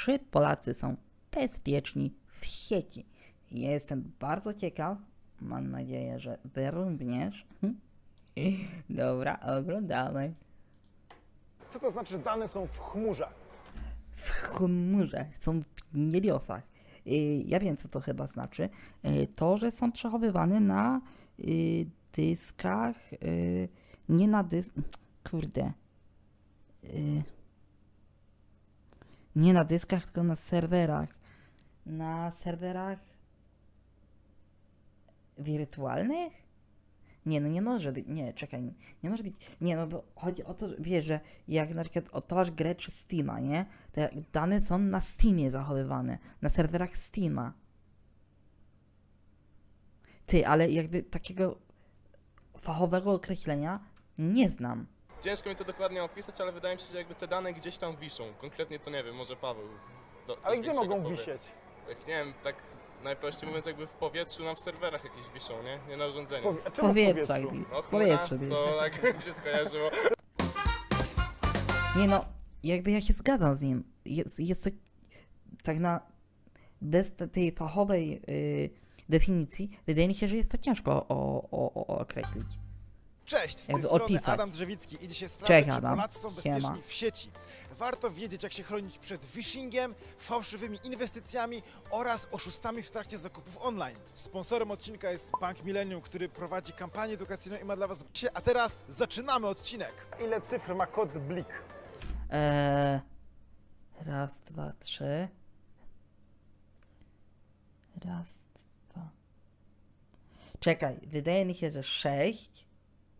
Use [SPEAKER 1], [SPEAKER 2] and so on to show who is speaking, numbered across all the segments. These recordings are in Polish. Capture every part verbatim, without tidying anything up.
[SPEAKER 1] czy Polacy są bezpieczni w sieci? Ja jestem bardzo ciekaw. Mam nadzieję, że wy również. Dobra, oglądamy.
[SPEAKER 2] Co to znaczy, że dane są w chmurze?
[SPEAKER 1] W chmurze, są w niebiosach. Y, Ja wiem, co to chyba znaczy. Y, To, że są przechowywane na y, dyskach, y, nie na dysk... Kurde. Y, Nie na dyskach, tylko na serwerach. Na serwerach wirtualnych? Nie, no nie może być, nie, czekaj, nie może być, nie, no bo chodzi o to, że wiesz, że jak na przykład odpalasz grę przez Steama, nie, to jak dane są na Steamie zachowywane, na serwerach Steama. Ty, ale jakby takiego fachowego określenia nie znam.
[SPEAKER 3] Ciężko mi to dokładnie opisać, ale wydaje mi się, że jakby te dane gdzieś tam wiszą. Konkretnie to nie wiem, może Paweł. Do, coś
[SPEAKER 2] Ale gdzie
[SPEAKER 3] większego
[SPEAKER 2] mogą
[SPEAKER 3] powie.
[SPEAKER 2] wisieć?
[SPEAKER 3] Jak nie wiem, tak najprościej mówiąc jakby w powietrzu, na w serwerach jakieś wiszą, nie? Nie na urządzeniu.
[SPEAKER 2] Powie- a
[SPEAKER 1] W
[SPEAKER 2] czemu w
[SPEAKER 1] powietrzu,
[SPEAKER 2] powietrzu?
[SPEAKER 1] jakby,
[SPEAKER 3] No
[SPEAKER 1] w
[SPEAKER 3] chmura,
[SPEAKER 1] powietrzu.
[SPEAKER 3] to tak się skojarzyło.
[SPEAKER 1] Nie no, jakby ja się zgadzam z nim. Jest, jest to tak na bez te- tej fachowej y, definicji, wydaje mi się, że jest to ciężko o, o, o, o określić.
[SPEAKER 4] Cześć, z tej
[SPEAKER 1] Jakby
[SPEAKER 4] strony
[SPEAKER 1] opisać.
[SPEAKER 4] Adam Drzewicki i dzisiaj
[SPEAKER 1] Cześć,
[SPEAKER 4] sprawdzę, czy
[SPEAKER 1] Adam.
[SPEAKER 4] Polacy są bezpieczni
[SPEAKER 1] Siema.
[SPEAKER 4] w sieci. Warto wiedzieć, jak się chronić przed phishingiem, fałszywymi inwestycjami oraz oszustami w trakcie zakupów online. Sponsorem odcinka jest Bank Millennium, który prowadzi kampanię edukacyjną i ma dla Was... A teraz zaczynamy odcinek.
[SPEAKER 2] Ile cyfr ma kod Blik?
[SPEAKER 1] Eee, raz, dwa, trzy. Raz, dwa. Czekaj, wydaje mi się, że sześć.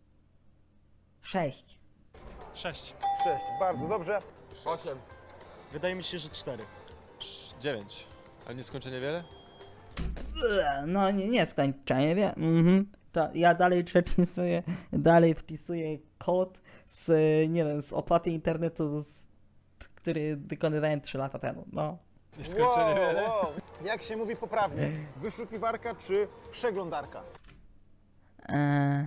[SPEAKER 1] Sześć.
[SPEAKER 5] sześć.
[SPEAKER 2] sześć. Bardzo dobrze.
[SPEAKER 6] osiem.
[SPEAKER 5] Wydaje mi się, że cztery.
[SPEAKER 6] dziewięć. Ale nie skończę niewiele?
[SPEAKER 1] Eee, No nie, nie skończenie, wie. Mhm. To ja dalej przepisuję, dalej wpisuję kod z, nie wiem, z opłaty internetu, z, który wykonywałem trzy lata temu. No.
[SPEAKER 6] Nie skończę niewiele?
[SPEAKER 2] wow. Jak się mówi poprawnie? Wyszukiwarka czy przeglądarka?
[SPEAKER 1] Eee.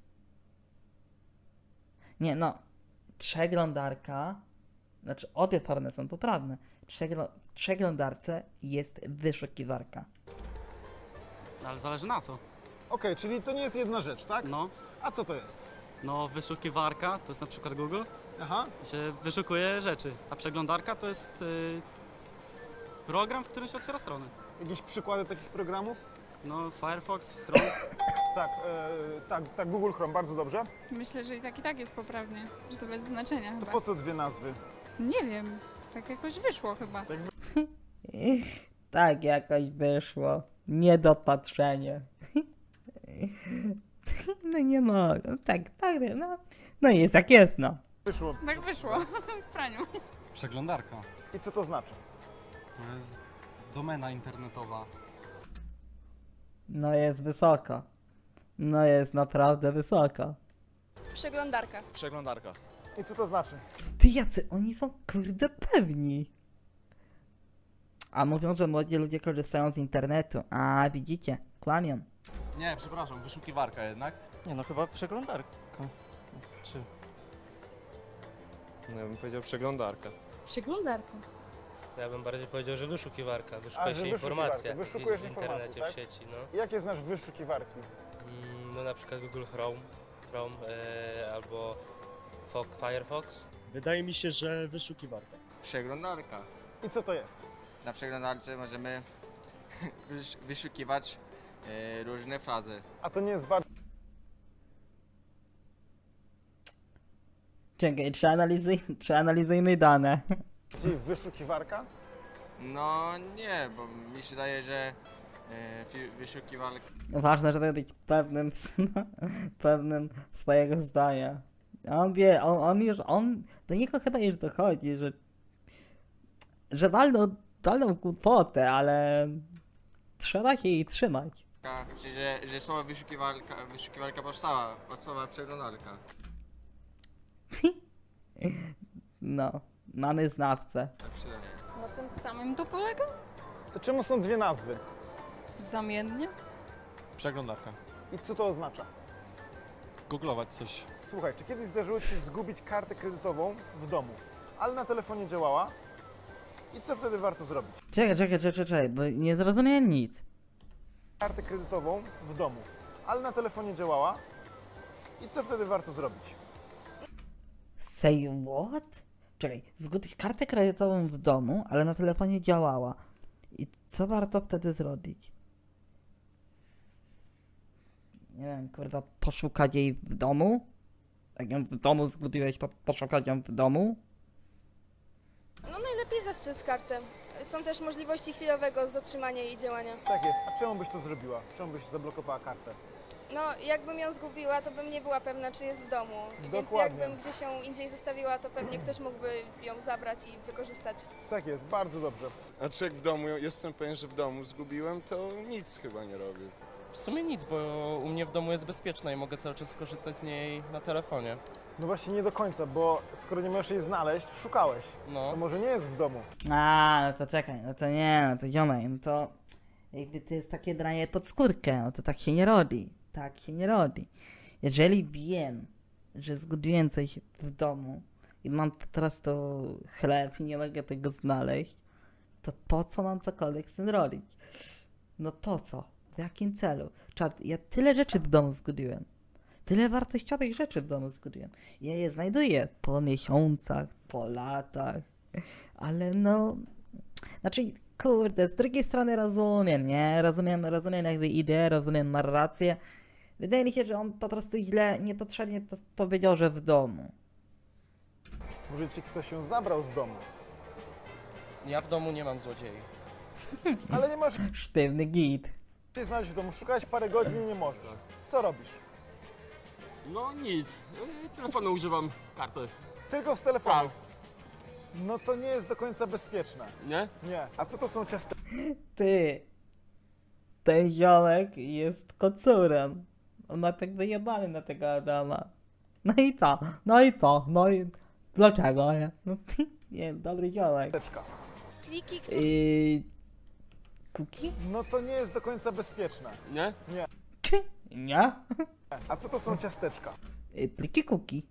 [SPEAKER 1] Nie, no. Przeglądarka. Znaczy, obie formy są poprawne. Przegl- w przeglądarce jest wyszukiwarka.
[SPEAKER 7] No, ale zależy na co.
[SPEAKER 2] Okej, czyli to nie jest jedna rzecz, tak?
[SPEAKER 7] No,
[SPEAKER 2] A co to jest?
[SPEAKER 7] no wyszukiwarka to jest na przykład Google,
[SPEAKER 2] Aha.
[SPEAKER 7] gdzie wyszukuje rzeczy, a przeglądarka to jest y, program, w którym się otwiera strony.
[SPEAKER 2] Jakieś przykłady takich programów?
[SPEAKER 7] No, Firefox, Chrome.
[SPEAKER 2] Tak, e, tak, tak, Google Chrome, bardzo dobrze.
[SPEAKER 8] Myślę, że i tak i tak jest poprawnie, że to bez znaczenia
[SPEAKER 2] To
[SPEAKER 8] chyba.
[SPEAKER 2] po co dwie nazwy?
[SPEAKER 8] Nie wiem, tak jakoś wyszło chyba.
[SPEAKER 1] Tak jakoś wyszło. Niedopatrzenie. No nie mogę. Tak, tak, no. No jest jak jest, no.
[SPEAKER 2] Wyszło.
[SPEAKER 8] Tak wyszło, w praniu.
[SPEAKER 9] Przeglądarka.
[SPEAKER 2] I co to znaczy?
[SPEAKER 9] To jest domena internetowa.
[SPEAKER 1] No jest wysoko. No jest naprawdę wysoko.
[SPEAKER 10] Przeglądarka.
[SPEAKER 6] Przeglądarka.
[SPEAKER 2] I co to znaczy?
[SPEAKER 1] Ty jacy oni są kurde pewni. A mówią, że młodzi ludzie korzystają z internetu. A widzicie, kłamią.
[SPEAKER 6] Nie, przepraszam, wyszukiwarka jednak.
[SPEAKER 5] Nie no, chyba przeglądarka. Czy...
[SPEAKER 11] No ja bym powiedział przeglądarka.
[SPEAKER 10] Przeglądarka.
[SPEAKER 12] Ja bym bardziej powiedział, że wyszukiwarka.
[SPEAKER 2] A,
[SPEAKER 12] Wyszukuje
[SPEAKER 2] że
[SPEAKER 12] się
[SPEAKER 2] wyszukiwarka.
[SPEAKER 12] informacja
[SPEAKER 2] Wyszukujesz
[SPEAKER 12] w, w
[SPEAKER 2] informacje,
[SPEAKER 12] internecie,
[SPEAKER 2] tak?
[SPEAKER 12] w sieci. No.
[SPEAKER 2] Jakie znasz wyszukiwarki?
[SPEAKER 12] Mm, no na przykład Google Chrome, Chrome e, albo Fo- Firefox.
[SPEAKER 5] Wydaje mi się, że wyszukiwarka.
[SPEAKER 6] Przeglądarka.
[SPEAKER 2] I co to jest?
[SPEAKER 6] Na przeglądarce możemy wysz- wyszukiwać e, różne frazy.
[SPEAKER 2] A to nie jest bardzo...
[SPEAKER 1] Czekaj, przeanalizuj, przeanalizujmy dane.
[SPEAKER 2] wyszukiwarka?
[SPEAKER 6] No nie, bo mi się daje, że e, fi- wyszukiwarka...
[SPEAKER 1] Ważne, żeby być pewnym, pewnym swojego zdania. On wie, on, on już, on, do niego chyba już dochodzi, że, że walną, walną głupotę, ale trzeba się jej trzymać.
[SPEAKER 6] Czyli, że, że słowo wyszukiwarka, wyszukiwarka powstała od słowa przeglądarka.
[SPEAKER 1] No, mamy znawcę.
[SPEAKER 6] Tak się daje.
[SPEAKER 8] Na tym samym to polega?
[SPEAKER 2] To czemu są dwie nazwy?
[SPEAKER 8] Zamiennie?
[SPEAKER 6] Przeglądarka.
[SPEAKER 2] I co to oznacza?
[SPEAKER 6] Googlować coś.
[SPEAKER 2] Słuchaj, czy kiedyś zdarzyło Ci się zgubić kartę kredytową w domu, ale na telefonie działała? I co wtedy warto zrobić?
[SPEAKER 1] Czekaj, czekaj, czekaj, czekaj, bo nie zrozumiałem nic.
[SPEAKER 2] Kartę kredytową w domu, ale na telefonie działała. I co wtedy warto zrobić?
[SPEAKER 1] Say what? Czekaj, zgubić kartę kredytową w domu, ale na telefonie działała. I co warto wtedy zrobić? Nie wiem, kurwa, poszukać jej w domu? Jak ją w domu zgubiłeś, to poszukać ją w domu?
[SPEAKER 10] No najlepiej zastrzec kartę. Są też możliwości chwilowego zatrzymania jej działania.
[SPEAKER 2] Tak jest. A czemu byś to zrobiła? Czemu byś zablokowała kartę?
[SPEAKER 10] No jakbym ją zgubiła, to bym nie była pewna, czy jest w domu. Więc
[SPEAKER 2] Dokładnie.
[SPEAKER 10] jakbym gdzieś ją indziej zostawiła, to pewnie ktoś mógłby ją zabrać i wykorzystać.
[SPEAKER 2] Tak jest, bardzo dobrze.
[SPEAKER 3] Znaczy jak w domu, jestem pewien, że w domu zgubiłem, to nic chyba nie robię.
[SPEAKER 5] W sumie nic, bo u mnie w domu jest bezpieczna i mogę cały czas skorzystać z niej na telefonie.
[SPEAKER 2] No właśnie nie do końca, bo skoro nie możesz jej znaleźć, szukałeś.
[SPEAKER 5] No.
[SPEAKER 2] To może nie jest w domu.
[SPEAKER 1] A, no to czekaj, no to nie, no to ziomek, no to jakby to jest takie dranie pod skórkę, no to tak się nie robi, tak się nie robi. Jeżeli wiem, że zgubiłem coś w domu i mam teraz to chleb i nie mogę tego znaleźć, to po co mam cokolwiek z tym robić? No po co? W jakim celu? Czad, ja tyle rzeczy w domu zgubiłem. Tyle wartościowych rzeczy w domu zgubiłem. Ja je znajduję po miesiącach, po latach. Ale no... Znaczy, kurde, z drugiej strony rozumiem, nie? Rozumiem, rozumiem jakby ideę, rozumiem narrację. Wydaje mi się, że on po prostu źle, niepotrzebnie to powiedział, że w domu.
[SPEAKER 2] Może ci ktoś ją zabrał z domu.
[SPEAKER 5] Ja w domu nie mam złodziei.
[SPEAKER 2] Ale nie możesz
[SPEAKER 1] Sztywny git.
[SPEAKER 2] się znaleźć w domu. Szukałeś parę godzin i nie możesz. Co robisz?
[SPEAKER 11] No nic, telefonu używam karty.
[SPEAKER 2] Tylko z telefonu. No to nie jest do końca bezpieczne.
[SPEAKER 11] Nie?
[SPEAKER 2] Nie. A co to są ciasteczka?
[SPEAKER 1] Ty, ten ziomek jest kocurem. On ma tak wyjebany na tego Adama. No i co? No i co? No i dlaczego, nie? No ty, nie, dobry ziomek.
[SPEAKER 10] Pliki, które...
[SPEAKER 1] Yy, Kuki?
[SPEAKER 2] No to nie jest do końca bezpieczne.
[SPEAKER 11] Nie?
[SPEAKER 2] Nie.
[SPEAKER 1] Czy? Nie?
[SPEAKER 2] A co to są ciasteczka?
[SPEAKER 1] Yy, Pliki kuki.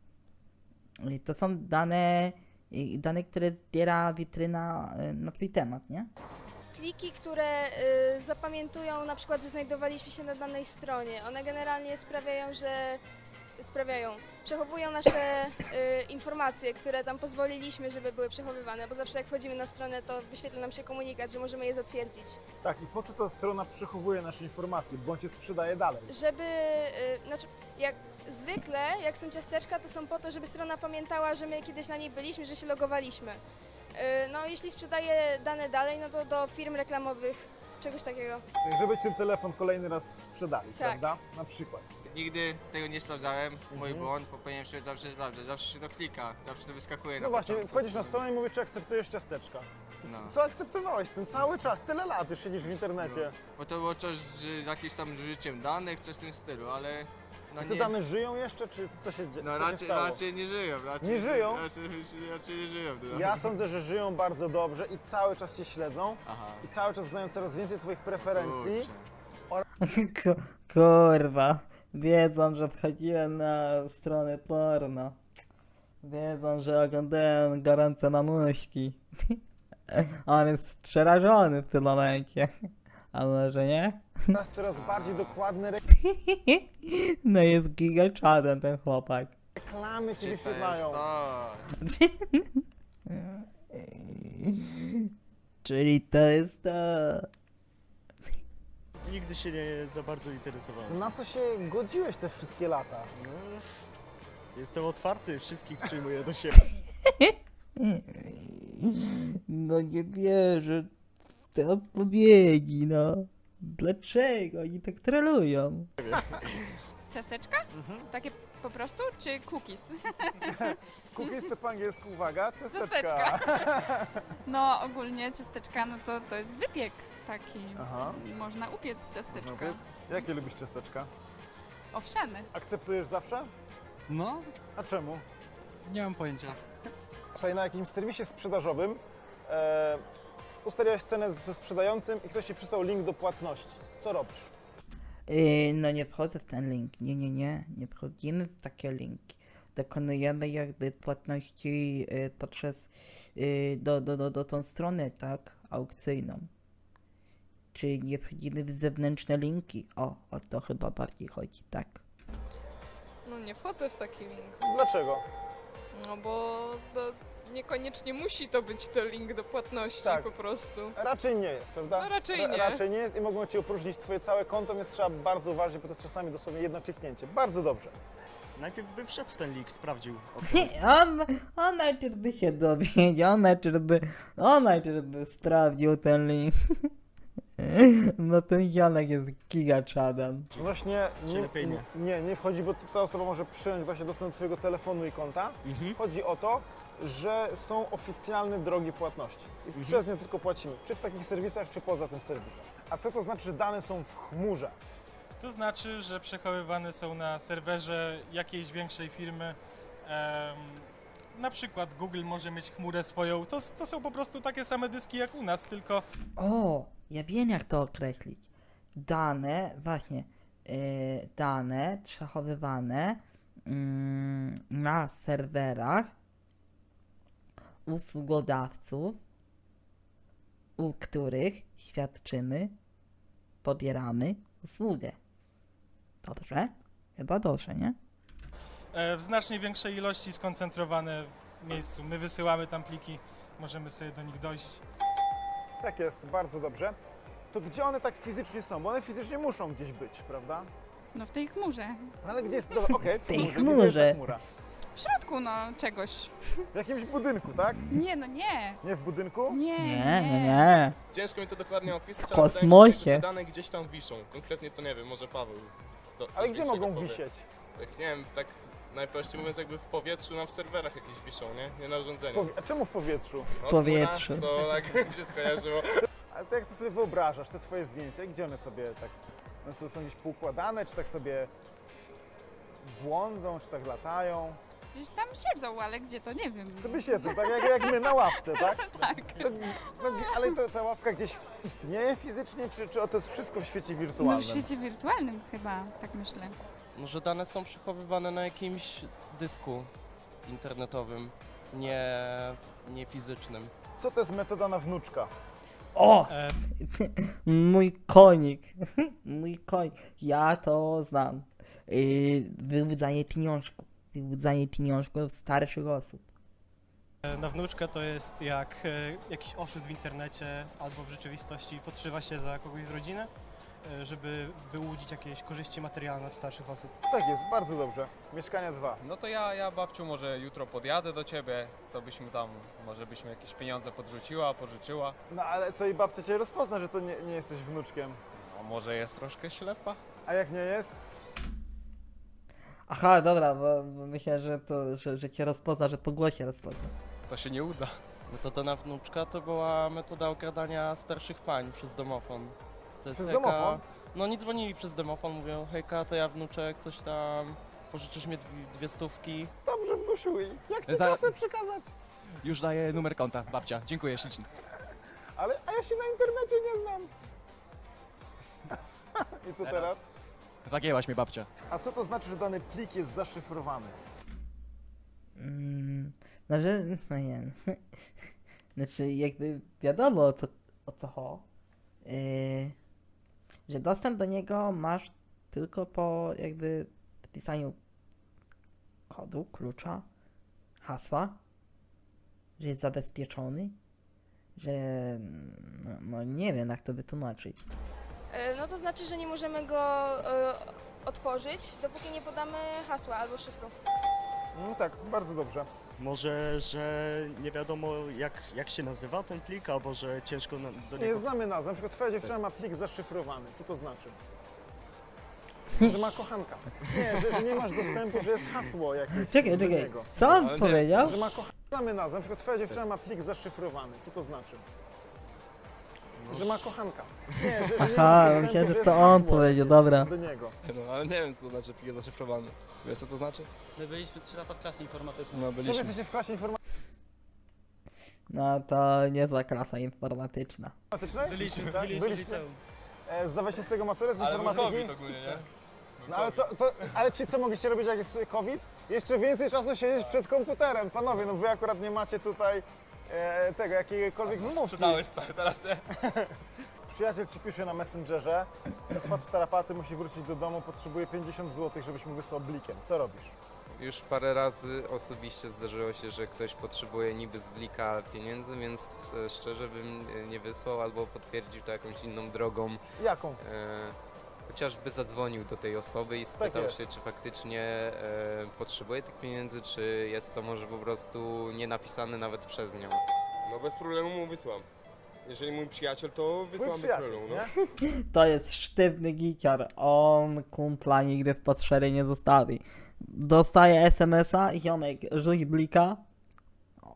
[SPEAKER 1] Yy, To są dane, yy, dane, które zbiera witryna yy, na twój temat, nie?
[SPEAKER 10] Pliki, które y, zapamiętują na przykład, że znajdowaliśmy się na danej stronie. One generalnie sprawiają, że sprawiają, przechowują nasze y, informacje, które tam pozwoliliśmy, żeby były przechowywane, bo zawsze jak wchodzimy na stronę, to wyświetla nam się komunikat, że możemy je zatwierdzić.
[SPEAKER 2] Tak, i po co ta strona przechowuje nasze informacje, bądź je sprzedaje dalej?
[SPEAKER 10] Żeby, y, znaczy, jak zwykle, jak są ciasteczka, to są po to, żeby strona pamiętała, że my kiedyś na niej byliśmy, że się logowaliśmy. Y, no, jeśli sprzedaje dane dalej, no to do firm reklamowych, czegoś takiego.
[SPEAKER 2] Żeby ci ten telefon kolejny raz sprzedali,
[SPEAKER 10] Tak.
[SPEAKER 2] prawda? Na przykład.
[SPEAKER 6] Nigdy tego nie sprawdzałem, mój
[SPEAKER 2] Mhm.
[SPEAKER 6] błąd, bo powinienem się zawsze sprawdzać, zawsze się to klika, zawsze to wyskakuje na
[SPEAKER 2] No właśnie,
[SPEAKER 6] początku.
[SPEAKER 2] wchodzisz na stronę i mówisz, czy akceptujesz ciasteczka.
[SPEAKER 6] No.
[SPEAKER 2] Co akceptowałeś ten cały czas? Tyle lat już siedzisz w internecie.
[SPEAKER 6] Bo to było coś z jakimś tam życiem danych, coś w tym stylu, ale no
[SPEAKER 2] I te
[SPEAKER 6] nie.
[SPEAKER 2] dane żyją jeszcze, czy co się, dzie-
[SPEAKER 6] No
[SPEAKER 2] co się
[SPEAKER 6] raczej,
[SPEAKER 2] stało?
[SPEAKER 6] raczej nie żyją, raczej
[SPEAKER 2] Nie żyją?
[SPEAKER 6] Raczej, raczej nie żyją. No.
[SPEAKER 2] Ja sądzę, że żyją bardzo dobrze i cały czas cię śledzą.
[SPEAKER 6] Aha.
[SPEAKER 2] I cały czas znają coraz więcej twoich preferencji.
[SPEAKER 6] Kurczę.
[SPEAKER 1] Ku- Kurwa, wiedzą, że wchodziłem na stronę porno. Wiedzą, że oglądałem gorące mamuśki. On jest przerażony w tym momencie. A może nie?
[SPEAKER 2] Teraz coraz bardziej dokładne
[SPEAKER 1] No jest gigaczadem ten chłopak.
[SPEAKER 2] reklamy ci
[SPEAKER 6] Czy to jest
[SPEAKER 2] wyświetlają.
[SPEAKER 6] to?
[SPEAKER 1] Czyli to jest to.
[SPEAKER 5] Nigdy się nie za bardzo
[SPEAKER 2] To
[SPEAKER 5] interesowałem.
[SPEAKER 2] na co się godziłeś te wszystkie lata?
[SPEAKER 5] No, jestem otwarty, wszystkich przyjmuję do siebie.
[SPEAKER 1] No nie wierzę w te odpowiedzi, no. Dlaczego oni tak trolują?
[SPEAKER 8] Ciasteczka?
[SPEAKER 2] Mhm.
[SPEAKER 8] Takie po prostu, czy cookies?
[SPEAKER 2] Cookies to po angielsku, uwaga, ciasteczka.
[SPEAKER 8] Ciasteczka. No ogólnie ciasteczka, no to, to jest wypiek taki.
[SPEAKER 2] Aha.
[SPEAKER 8] Można upiec ciasteczka.
[SPEAKER 2] No powiedz, jakie lubisz ciasteczka?
[SPEAKER 8] Owsiane.
[SPEAKER 2] Akceptujesz zawsze?
[SPEAKER 9] No,
[SPEAKER 2] A czemu?
[SPEAKER 9] nie mam pojęcia.
[SPEAKER 2] Słuchaj, na jakimś serwisie sprzedażowym e, ustaliłeś cenę ze sprzedającym i ktoś ci przysłał link do płatności. Co robisz?
[SPEAKER 1] Yy, no nie wchodzę w ten link. Nie, nie, nie. Nie wchodzimy w takie linki. dokonujemy jakby płatności y, poprzez y, do, do, do, do tą stronę, tak, aukcyjną. Czy nie wchodzimy w zewnętrzne linki? O, o to chyba bardziej chodzi, tak.
[SPEAKER 13] No nie wchodzę w taki link.
[SPEAKER 2] Dlaczego?
[SPEAKER 13] No bo to niekoniecznie musi to być to link do płatności
[SPEAKER 2] Tak.
[SPEAKER 13] po prostu.
[SPEAKER 2] Raczej nie jest, prawda?
[SPEAKER 13] No raczej
[SPEAKER 2] Ra-
[SPEAKER 13] nie.
[SPEAKER 2] Raczej nie jest i mogą Ci opróżnić Twoje całe konto, więc trzeba bardzo uważać, bo to jest czasami dosłownie jedno kliknięcie. Bardzo dobrze.
[SPEAKER 14] Najpierw bym wszedł w ten link, sprawdził o co.
[SPEAKER 1] Nie, on, on najpierw by się dowiedział, on najpierw by, on najpierw by sprawdził ten link. No ten zionek jest gigaczadem.
[SPEAKER 2] Właśnie
[SPEAKER 14] Czy
[SPEAKER 2] nie,
[SPEAKER 14] lepiej nie?
[SPEAKER 2] nie, nie wchodzi, bo ta osoba może przyjąć właśnie dostęp do Twojego telefonu i konta.
[SPEAKER 14] Mhm.
[SPEAKER 2] Chodzi o to, że są oficjalne drogi płatności i
[SPEAKER 14] Mhm.
[SPEAKER 2] przez nie tylko płacimy, czy w takich serwisach, czy poza tym serwisem. A co to znaczy, że dane są w chmurze?
[SPEAKER 15] To znaczy, że przechowywane są na serwerze jakiejś większej firmy. Em, na przykład Google może mieć chmurę swoją. To, to są po prostu takie same dyski jak u nas, tylko
[SPEAKER 1] O, ja wiem jak to określić. Dane, właśnie, yy, dane przechowywane mm, na serwerach usługodawców, u których świadczymy, pobieramy usługę. Dobrze? Chyba dobrze, nie?
[SPEAKER 15] e, w znacznie większej ilości skoncentrowane w miejscu. My wysyłamy tam pliki, możemy sobie do nich dojść.
[SPEAKER 2] Tak jest, bardzo dobrze. To gdzie one tak fizycznie są? Bo one fizycznie muszą gdzieś być, prawda?
[SPEAKER 8] No w tej chmurze.
[SPEAKER 2] No ale gdzie jest, dobra, okej,
[SPEAKER 1] W tej
[SPEAKER 2] chmurze, gdzie jest
[SPEAKER 1] chmurze.
[SPEAKER 2] ta chmura?
[SPEAKER 8] W środku no czegoś.
[SPEAKER 2] W jakimś budynku, tak?
[SPEAKER 8] Nie, no nie.
[SPEAKER 2] Nie w budynku?
[SPEAKER 8] Nie,
[SPEAKER 1] Nie, nie, nie.
[SPEAKER 3] Ciężko mi to dokładnie opisać,
[SPEAKER 1] W
[SPEAKER 3] ale wydaje mi się, że
[SPEAKER 1] kosmosie.
[SPEAKER 3] jakby te dane gdzieś tam wiszą. Konkretnie to nie wiem, może Paweł. To coś
[SPEAKER 2] Ale gdzie
[SPEAKER 3] większego
[SPEAKER 2] mogą
[SPEAKER 3] powie.
[SPEAKER 2] wisieć?
[SPEAKER 3] Tak, nie wiem, tak najprościej mówiąc jakby w powietrzu, na w serwerach jakieś wiszą, nie? Nie na urządzeniu.
[SPEAKER 2] Powie- A czemu w powietrzu?
[SPEAKER 3] No,
[SPEAKER 1] W powietrzu.
[SPEAKER 3] chmura, To tak mi się skojarzyło.
[SPEAKER 2] Ale to jak to sobie wyobrażasz, te Twoje zdjęcia, gdzie one sobie tak, one sobie są gdzieś poukładane, czy tak sobie błądzą, czy tak latają?
[SPEAKER 8] Gdzieś tam siedzą, ale gdzie to nie wiem.
[SPEAKER 2] Sobie siedzą, tak jak, jak my na ławce, tak?
[SPEAKER 8] Tak.
[SPEAKER 2] No, no, ale to, ta ławka gdzieś istnieje fizycznie, czy, czy to jest wszystko w świecie
[SPEAKER 8] No
[SPEAKER 2] wirtualnym?
[SPEAKER 8] w świecie wirtualnym chyba, tak myślę.
[SPEAKER 5] Może dane są przechowywane na jakimś dysku internetowym, nie, nie fizycznym.
[SPEAKER 2] Co to jest metoda na wnuczka?
[SPEAKER 1] O!
[SPEAKER 15] E,
[SPEAKER 1] Mój konik. Mój konik. Ja to znam. Yy, wyłudzanie pieniążków. Wyłudzanie pieniążków starszych osób.
[SPEAKER 15] e, na wnuczka to jest jak e, jakiś oszust w internecie albo w rzeczywistości podszywa się za kogoś z rodziny, e, żeby wyłudzić jakieś korzyści materialne od starszych osób.
[SPEAKER 2] Tak jest, bardzo dobrze. Mieszkania dwa.
[SPEAKER 16] No to ja, ja babciu może jutro podjadę do ciebie, to byśmy tam, może byśmy jakieś pieniądze podrzuciła, pożyczyła.
[SPEAKER 2] No ale co i babcia cię rozpozna, że to nie, nie jesteś wnuczkiem.
[SPEAKER 16] No może jest troszkę ślepa?
[SPEAKER 2] A jak nie jest?
[SPEAKER 1] Aha, dobra, bo, bo myślę, że to, że, że cię rozpozna, że po głosie rozpozna.
[SPEAKER 16] To się nie uda.
[SPEAKER 5] Metoda na wnuczka to była metoda okradania starszych pań przez domofon. To jest
[SPEAKER 2] Przez
[SPEAKER 5] hejka-
[SPEAKER 2] domofon?
[SPEAKER 5] No oni dzwonili przez domofon, mówią hejka, to ja wnuczek, coś tam, pożyczysz mi dwie, dwie stówki.
[SPEAKER 2] Dobrze, wnusiu, i jak ci
[SPEAKER 17] Za-
[SPEAKER 2] kasę przekazać?
[SPEAKER 17] Już daję numer konta, babcia. Dziękuję ślicznie.
[SPEAKER 2] Ale, a ja się na internecie nie znam. I co teraz?
[SPEAKER 17] Zagięłaś mnie, babcia.
[SPEAKER 2] A co to znaczy, że dany plik jest zaszyfrowany?
[SPEAKER 1] Mm, no, że, no nie wiem. Znaczy, jakby wiadomo o co, o co ho. Yy, że dostęp do niego masz tylko po jakby wpisaniu kodu, klucza, hasła, że jest zabezpieczony, że no, no nie wiem jak to wytłumaczyć.
[SPEAKER 10] E, No to znaczy, że nie możemy go e, otworzyć, dopóki nie podamy hasła albo szyfru.
[SPEAKER 2] No tak, bardzo dobrze.
[SPEAKER 14] Może, że nie wiadomo jak, jak się nazywa ten plik, albo że ciężko na, do
[SPEAKER 2] Nie
[SPEAKER 14] niego...
[SPEAKER 2] znamy nazw. Na przykład twoja dziewczyna ma plik zaszyfrowany. Co to znaczy? Że ma kochanka. Nie, że, że nie masz dostępu, że jest hasło jakieś
[SPEAKER 1] Czekaj,
[SPEAKER 2] do
[SPEAKER 1] czekaj.
[SPEAKER 2] niego.
[SPEAKER 1] Co on powiedział?
[SPEAKER 2] Że ma kochanka. Znamy nazwę. Na przykład twoja dziewczyna ma plik zaszyfrowany. Co to znaczy? Że ma kochanka. Nie, że, że nie
[SPEAKER 1] Aha,
[SPEAKER 2] masz dostępu,
[SPEAKER 1] myślałem, że
[SPEAKER 2] jest
[SPEAKER 1] to on
[SPEAKER 2] hasło
[SPEAKER 1] powiedział,
[SPEAKER 2] jakieś
[SPEAKER 1] dobra.
[SPEAKER 2] do niego.
[SPEAKER 3] No ale nie wiem, co to znaczy plik zaszyfrowany. Wiesz, co to znaczy?
[SPEAKER 7] My byliśmy trzy lata w klasie informatycznej.
[SPEAKER 3] No
[SPEAKER 2] Co wy
[SPEAKER 3] byliśmy.
[SPEAKER 2] jesteście w klasie
[SPEAKER 1] No to niezła klasa informatyczna.
[SPEAKER 2] informatycznej?
[SPEAKER 7] Byliśmy,
[SPEAKER 2] Tak?
[SPEAKER 7] byliśmy w liceum.
[SPEAKER 2] E, zdawaliście z tego maturę z
[SPEAKER 3] Ale był
[SPEAKER 2] informatyki?
[SPEAKER 3] COVID ogólnie, nie?
[SPEAKER 2] No ale to, to, ale czy co mogliście robić jak jest COVID? Jeszcze więcej czasu siedzieć przed komputerem. Panowie, no wy akurat nie macie tutaj e, tego, jakiejkolwiek wymówki.
[SPEAKER 3] Sprzedałeś stary, teraz nie.
[SPEAKER 2] Przyjaciel ci pisze na Messengerze, że wpadł w tarapaty, musi wrócić do domu, potrzebuje pięćdziesiąt złotych, żebyś mu wysłał blikiem. Co robisz?
[SPEAKER 18] Już parę razy osobiście zdarzyło się, że ktoś potrzebuje niby z blika pieniędzy, więc e, szczerze bym e, nie wysłał albo potwierdził to jakąś inną drogą.
[SPEAKER 2] Jaką?
[SPEAKER 18] E, chociażby zadzwonił do tej osoby i spytał
[SPEAKER 2] jest.
[SPEAKER 18] się, czy faktycznie e, potrzebuje tych pieniędzy, czy jest to może po prostu nie napisane nawet przez nią.
[SPEAKER 19] No bez problemu mu wysłam. Jeżeli mój przyjaciel, to
[SPEAKER 2] Twój
[SPEAKER 19] wysłam bez
[SPEAKER 2] przyjaciel,
[SPEAKER 19] problemu, no.
[SPEAKER 2] nie?
[SPEAKER 1] To jest sztywny giciar. On kumpla nigdy w potrzebie nie zostawi. Dostaje es em es a, ziomek, rzuć blika. O.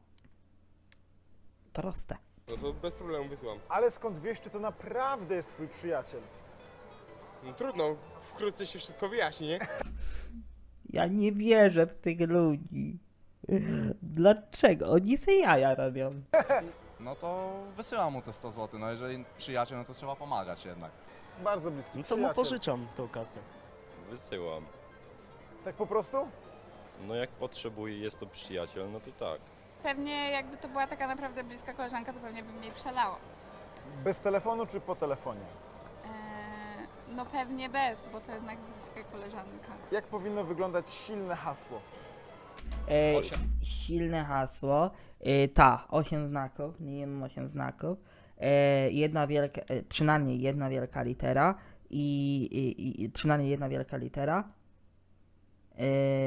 [SPEAKER 1] Proste.
[SPEAKER 19] No to bez problemu wysłam.
[SPEAKER 2] Ale skąd wiesz, czy to naprawdę jest twój przyjaciel?
[SPEAKER 19] No trudno, wkrótce się wszystko wyjaśni, nie?
[SPEAKER 1] Ja nie wierzę w tych ludzi. Dlaczego? Oni se jaja robią.
[SPEAKER 17] No to wysyłam mu te sto złotych, no jeżeli przyjaciel, no to trzeba pomagać jednak.
[SPEAKER 2] Bardzo bliski
[SPEAKER 14] No to mu
[SPEAKER 2] przyjaciel.
[SPEAKER 14] pożyczam tą kasę.
[SPEAKER 20] Wysyłam.
[SPEAKER 2] Tak po prostu?
[SPEAKER 20] No jak potrzebuje, jest to przyjaciel, no to tak.
[SPEAKER 8] Pewnie jakby to była taka naprawdę bliska koleżanka, to pewnie bym jej przelała.
[SPEAKER 2] Bez telefonu czy po telefonie?
[SPEAKER 8] Eee, no pewnie bez, bo to jednak bliska koleżanka.
[SPEAKER 2] Jak powinno wyglądać silne hasło?
[SPEAKER 1] E, silne hasło. E, ta, osiem znaków, minimum osiem znaków. E, jedna wielka, e, przynajmniej jedna wielka litera i, i, i przynajmniej jedna wielka litera. E,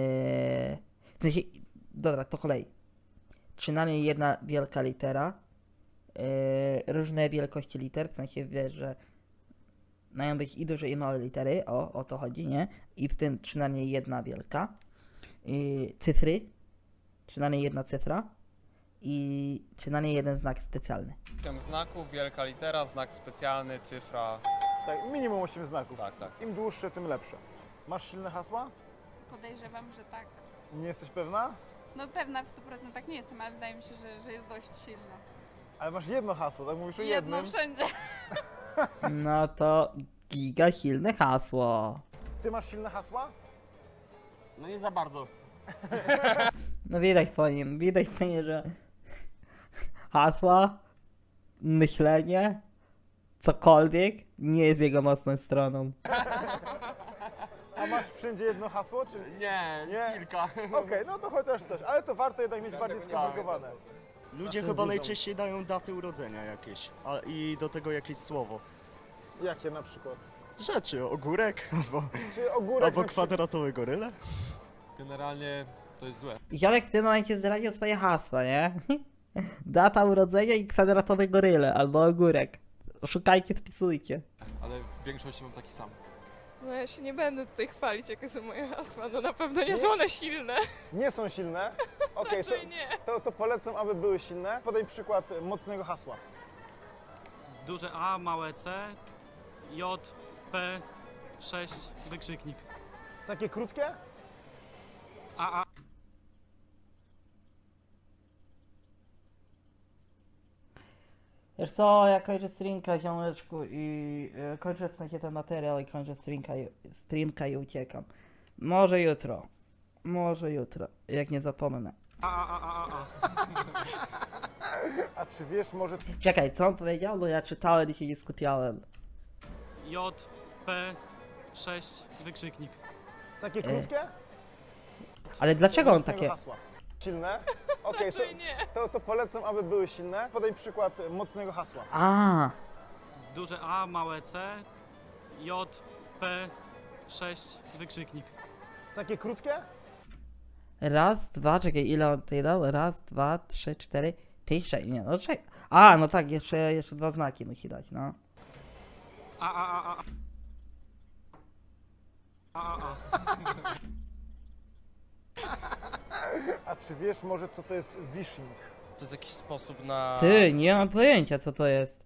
[SPEAKER 1] w sensie, dobra, po kolei. Przynajmniej jedna wielka litera. E, różne wielkości liter, w sensie wiesz, że mają być i duże i małe litery, o, o to chodzi, nie? I w tym przynajmniej jedna wielka. I cyfry, przynajmniej jedna cyfra i przynajmniej jeden znak specjalny.
[SPEAKER 16] System znaków, wielka litera, znak specjalny, cyfra.
[SPEAKER 2] Tak, minimum osiem znaków.
[SPEAKER 16] Tak, tak.
[SPEAKER 2] Im dłuższe, tym lepsze. Masz silne hasła?
[SPEAKER 8] Podejrzewam, że tak.
[SPEAKER 2] Nie jesteś pewna?
[SPEAKER 8] No pewna w stu procentach nie jestem, ale wydaje mi się, że, że jest dość silna.
[SPEAKER 2] Ale masz jedno hasło, tak mówisz o
[SPEAKER 8] Jedno
[SPEAKER 2] jednym?
[SPEAKER 8] wszędzie.
[SPEAKER 1] No to giga silne hasło.
[SPEAKER 2] Ty masz silne hasła?
[SPEAKER 11] No nie za bardzo.
[SPEAKER 1] No widać po nim, widać po nim, że hasła, myślenie, cokolwiek nie jest jego mocną stroną.
[SPEAKER 2] A masz wszędzie jedno hasło, czy...
[SPEAKER 11] Nie,
[SPEAKER 2] Nie?
[SPEAKER 11] kilka.
[SPEAKER 2] Okej, no to chociaż coś, ale to warto jednak mieć bardziej skomplikowane.
[SPEAKER 14] Ludzie chyba najczęściej dają daty urodzenia jakieś, a i do tego jakieś słowo.
[SPEAKER 2] Jakie na przykład?
[SPEAKER 14] Rzeczy, ogórek, albo,
[SPEAKER 2] Czy ogórek
[SPEAKER 14] albo
[SPEAKER 2] na przykład-
[SPEAKER 14] kwadratowe goryle.
[SPEAKER 17] Generalnie to jest złe.
[SPEAKER 1] Ziomek w tym momencie zdradził swoje hasła, nie? Data urodzenia i kwadratowe goryle albo ogórek. Szukajcie, wpisujcie.
[SPEAKER 17] Ale w większości mam taki sam.
[SPEAKER 13] No ja się nie będę tutaj chwalić, jakie są moje hasła, no na pewno nie są one silne.
[SPEAKER 2] Nie są silne? Okej, to,
[SPEAKER 13] Raczej nie.
[SPEAKER 2] to, to polecam, aby były silne. Podaj przykład mocnego hasła.
[SPEAKER 7] Duże A, małe C, J, P, sześć, wykrzyknik.
[SPEAKER 2] Takie krótkie?
[SPEAKER 7] A, A.
[SPEAKER 1] Wiesz co, ja kończę streamka, ziomeczku, i y, kończę w sensie ten materiał i kończę streamka i, streamka i uciekam. Może jutro. Może jutro, jak nie zapomnę.
[SPEAKER 7] A, a, a, a, a.
[SPEAKER 2] A czy wiesz może...
[SPEAKER 1] Czekaj, co on powiedział? Bo ja czytałem i się nie skupiałem.
[SPEAKER 7] J, P, sześć, wykrzyknik.
[SPEAKER 2] Takie
[SPEAKER 1] E.
[SPEAKER 2] krótkie?
[SPEAKER 1] Ale dlaczego on
[SPEAKER 2] Mocnego
[SPEAKER 1] takie...
[SPEAKER 2] hasła. Silne? Okej, to,
[SPEAKER 13] Raczej nie.
[SPEAKER 2] to, to polecam, aby były silne. Podaj przykład mocnego hasła.
[SPEAKER 1] A,
[SPEAKER 7] Duże A, małe C, J, P, sześć, wykrzyknik.
[SPEAKER 2] Takie krótkie?
[SPEAKER 1] raz, dwa, czekaj, ile on tutaj dał? Raz, dwa, trzy, cztery, pięć, sześć, nie, no czekaj. A, no tak, jeszcze, jeszcze dwa znaki musi dać, no.
[SPEAKER 7] A, a, a, a. A, a, a.
[SPEAKER 2] A czy wiesz może co to jest wishing?
[SPEAKER 5] To jest jakiś sposób na...
[SPEAKER 1] Ty, nie mam pojęcia, co to jest.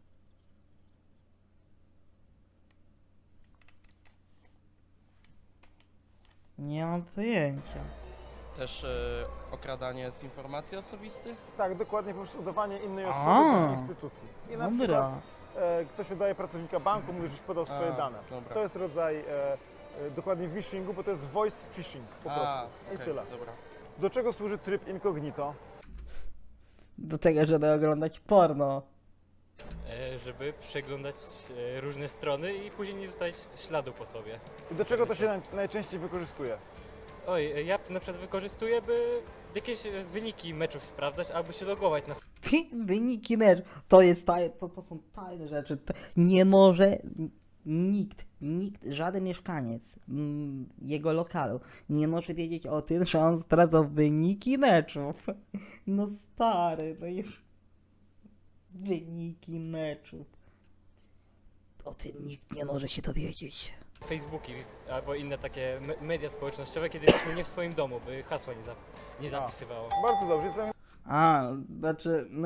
[SPEAKER 1] Nie mam pojęcia.
[SPEAKER 5] Też e, okradanie z informacji osobistych?
[SPEAKER 2] Tak, dokładnie, po prostu udawanie innej
[SPEAKER 1] A,
[SPEAKER 2] osoby bądź instytucji. I na
[SPEAKER 1] dobra.
[SPEAKER 2] przykład e, ktoś udaje pracownika banku, mówi, żeś podał swoje
[SPEAKER 5] A,
[SPEAKER 2] dane.
[SPEAKER 5] dobra.
[SPEAKER 2] To jest rodzaj e, e, dokładnie w phishingu, bo to jest voice phishing po
[SPEAKER 5] A,
[SPEAKER 2] prostu. I
[SPEAKER 5] okej,
[SPEAKER 2] tyle.
[SPEAKER 5] dobra.
[SPEAKER 2] Do czego służy tryb incognito?
[SPEAKER 1] Do tego, żeby oglądać porno.
[SPEAKER 12] E, żeby przeglądać e, różne strony i później nie zostawić śladu po sobie.
[SPEAKER 2] I do czego to się naj, najczęściej wykorzystuje?
[SPEAKER 12] Oj, e, ja na przykład wykorzystuję, by jakieś e, wyniki meczów sprawdzać albo się logować na
[SPEAKER 1] Wyniki mecz. To jest taj, to, to są tajne rzeczy. To nie może nikt, nikt, żaden mieszkaniec mm, jego lokalu nie może wiedzieć o tym, że on zdradza wyniki meczów. No stary, no jest wyniki meczów. O tym nikt nie może się dowiedzieć.
[SPEAKER 12] Facebooki albo inne takie me media społecznościowe, kiedy jesteśmy nie w swoim domu, by hasła nie, zap nie zapisywało.
[SPEAKER 2] Bardzo dobrze, jestem...
[SPEAKER 1] A, znaczy, no...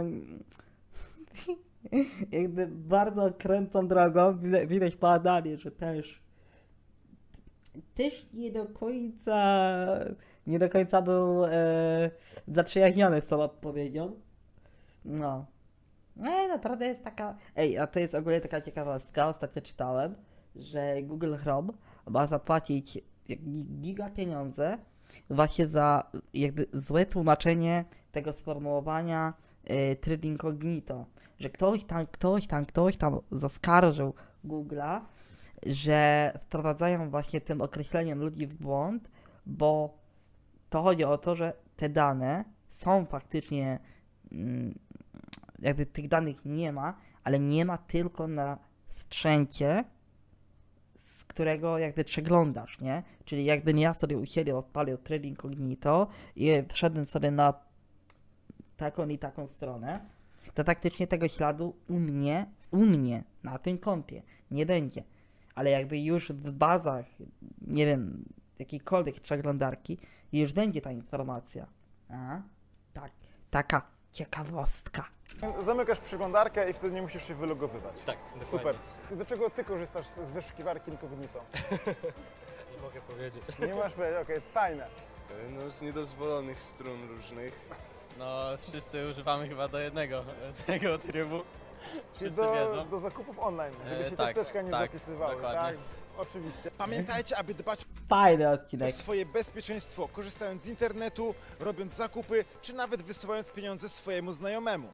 [SPEAKER 1] jakby bardzo kręcą drogą, widać, widać badanie, że też... Też nie do końca... Nie do końca był e, zaprzyjaźniony z tą odpowiedzią. No. No, naprawdę jest taka... Ej, a to jest ogólnie taka ciekawostka, ostatnio czytałem, że Google Chrome ma zapłacić giga pieniądze właśnie za jakby złe tłumaczenie tego sformułowania y, tryb incognito, że ktoś tam, ktoś tam, ktoś tam zaskarżył Google'a, że wprowadzają właśnie tym określeniem ludzi w błąd, bo to chodzi o to, że te dane są faktycznie, mm, jakby tych danych nie ma, ale nie ma tylko na sprzęcie, z którego jakby przeglądasz, nie? Czyli jakbym ja sobie u siebie odpalił tryb incognito i wszedłem sobie na taką i taką stronę, to faktycznie tego śladu u mnie, u mnie na tym kompie nie będzie. Ale jakby już w bazach, nie wiem, jakiejkolwiek przeglądarki już będzie ta informacja. A? Tak, taka ciekawostka.
[SPEAKER 2] Zamykasz przeglądarkę i wtedy nie musisz się wylogowywać.
[SPEAKER 12] Tak, dokładnie.
[SPEAKER 2] Super. I do czego ty korzystasz z z wyszukiwarki incognito?
[SPEAKER 12] Nie mogę powiedzieć.
[SPEAKER 2] Nie masz powiedzieć, okej, tajne.
[SPEAKER 21] No z niedozwolonych stron różnych.
[SPEAKER 5] No, wszyscy używamy chyba do jednego tego trybu.
[SPEAKER 2] Czyli
[SPEAKER 5] Wszyscy
[SPEAKER 2] do,
[SPEAKER 5] wiedzą.
[SPEAKER 2] do zakupów online, żeby
[SPEAKER 5] E,
[SPEAKER 2] się
[SPEAKER 5] tak,
[SPEAKER 2] ciasteczka nie
[SPEAKER 5] tak,
[SPEAKER 2] zapisywały,
[SPEAKER 5] dokładnie.
[SPEAKER 2] tak? Oczywiście.
[SPEAKER 4] Pamiętajcie, aby dbać
[SPEAKER 1] Fajny
[SPEAKER 4] o
[SPEAKER 1] odcinek.
[SPEAKER 4] swoje bezpieczeństwo, korzystając z internetu, robiąc zakupy, czy nawet wysyłając pieniądze swojemu znajomemu.